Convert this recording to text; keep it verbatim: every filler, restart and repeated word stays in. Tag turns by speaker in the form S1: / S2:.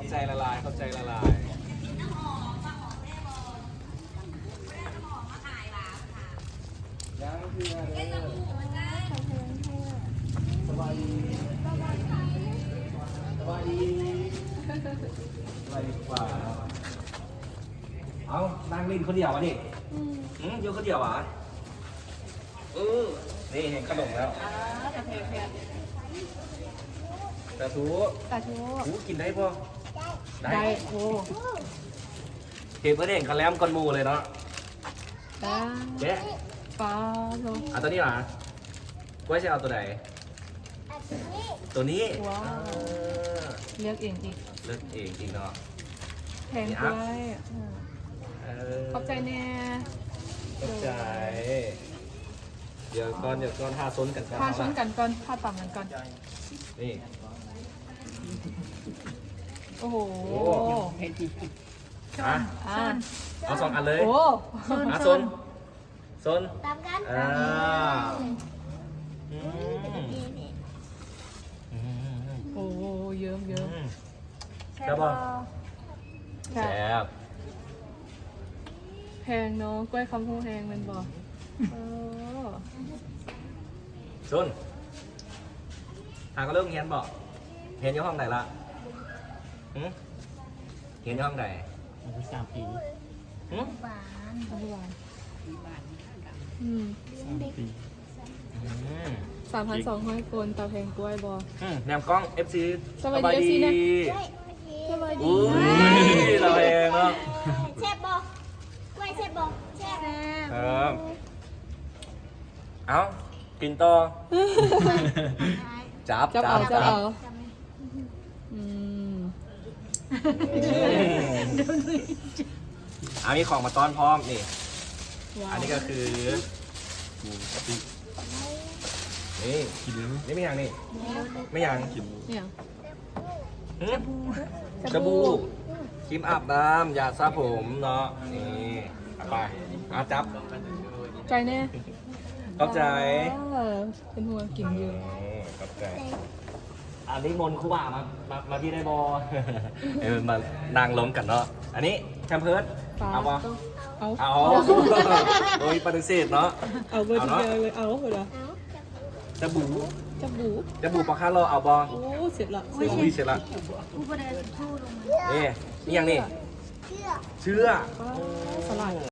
S1: ใจละลายเข้าใจละลายยังคืออะไรสบายดีสบายดีสบายดีกว่าเอานั่งเล่นคนเดียววะดิอืมอยู่คนเดียววะเออนี่เห็นขนมแล้วตาทู
S2: ตาชู
S1: หูกินได้ป่ะ
S2: ได้โอ้
S1: เห็นเพื่อนเห็นกันแล้วกันมูเลยเนาะ
S2: ได้
S1: เจ๊
S2: ปลาโล
S1: เอาตัวนี้เหรอก้วยจะเอาตัวไหนตัวนี้
S2: ว้าวเลือกเองอีก
S1: เลือกเองจริงเนาะ
S2: แพงด้วยขอบใจแน่
S1: ขอบใจเดี๋ยวก่อนเดี๋ยวก่อนทาซนกันก่อน
S2: พาชนกันก่อนพาต่ำกันก่อน
S1: นี่
S2: โอ้โห
S1: อ่ะ
S2: อ่า
S1: เอาสองอันเลย
S2: โอ้
S1: อ่ะซนซน
S3: ตามกัน
S1: อ่าอืมอืม
S2: โอ้เยิ้มเยิ้ม
S1: อืมครับป่ะแซ่บ
S2: แพงเนาะกล้วยคำพูแพงมันบอกเออ
S1: ซนทางก็เริ่มเรียนบอกเรียนอยู่ห้องไหนละหืมเรียนอยู่ห้องไหน
S4: สามปี
S1: หืม
S3: หวาน
S2: อร่อยอืม
S4: สามปี
S1: อืม
S2: สามพันสองร้อยคนตาแพงกล้วยบอ
S1: อืมแนมกล้อง เอฟ ซี
S2: สบายดี เอฟ ซี นะ สบายดี
S1: อุ้ยเราเองเนาะ
S3: แซ่บบอกกล้วยแซ่บบอกแซ่บ
S1: ครับ เอากินต่อ จับ
S2: จับ
S1: จั
S2: เอา
S1: บ
S2: จับเอา
S3: จำไหม
S2: อืม
S1: อ่ามีของมาต้อนพร้อมนี่
S2: ว้าว
S1: อันนี้ก็คือ
S4: หมูกะปิ
S1: นี่
S4: กินแล้ว
S1: นี่ไม่ยังนี่ ไม่ยัง
S4: กิน
S2: เนี่ย
S1: หืมสบู่ครีมอาบน้ำยาสระผมเนาะ นี่เอาไปเอาจับ
S2: ใจแน่
S1: เข้าใจ
S2: เออเป็นห่วงกินอยู่
S1: นี่เข้าใจ อันนี้มนต์ครูบ่ามา มา มาพี่ได้บอ เออมานั่งล้มกันเนาะ อันนี้แคมเพิร์ด
S2: ปลา
S1: เอาบอ
S2: เอา
S1: เอา โดยปฏิเสธเนาะ
S2: เอาเบอร์
S1: เอา
S2: ที
S1: เนาะ
S2: เดียวเลยเอาเหรอ
S1: จะบู
S2: จะบู
S1: จะบูปลาคาร์โลเอาบอ
S2: โอ้เสร็จละ
S1: อุ้ยเสร็จละ
S3: ผู้ประเดินผู้ลงมา
S1: นี่นี่ยังนี่
S3: เชื่อ
S1: เชื่อ
S2: ปลาสลัด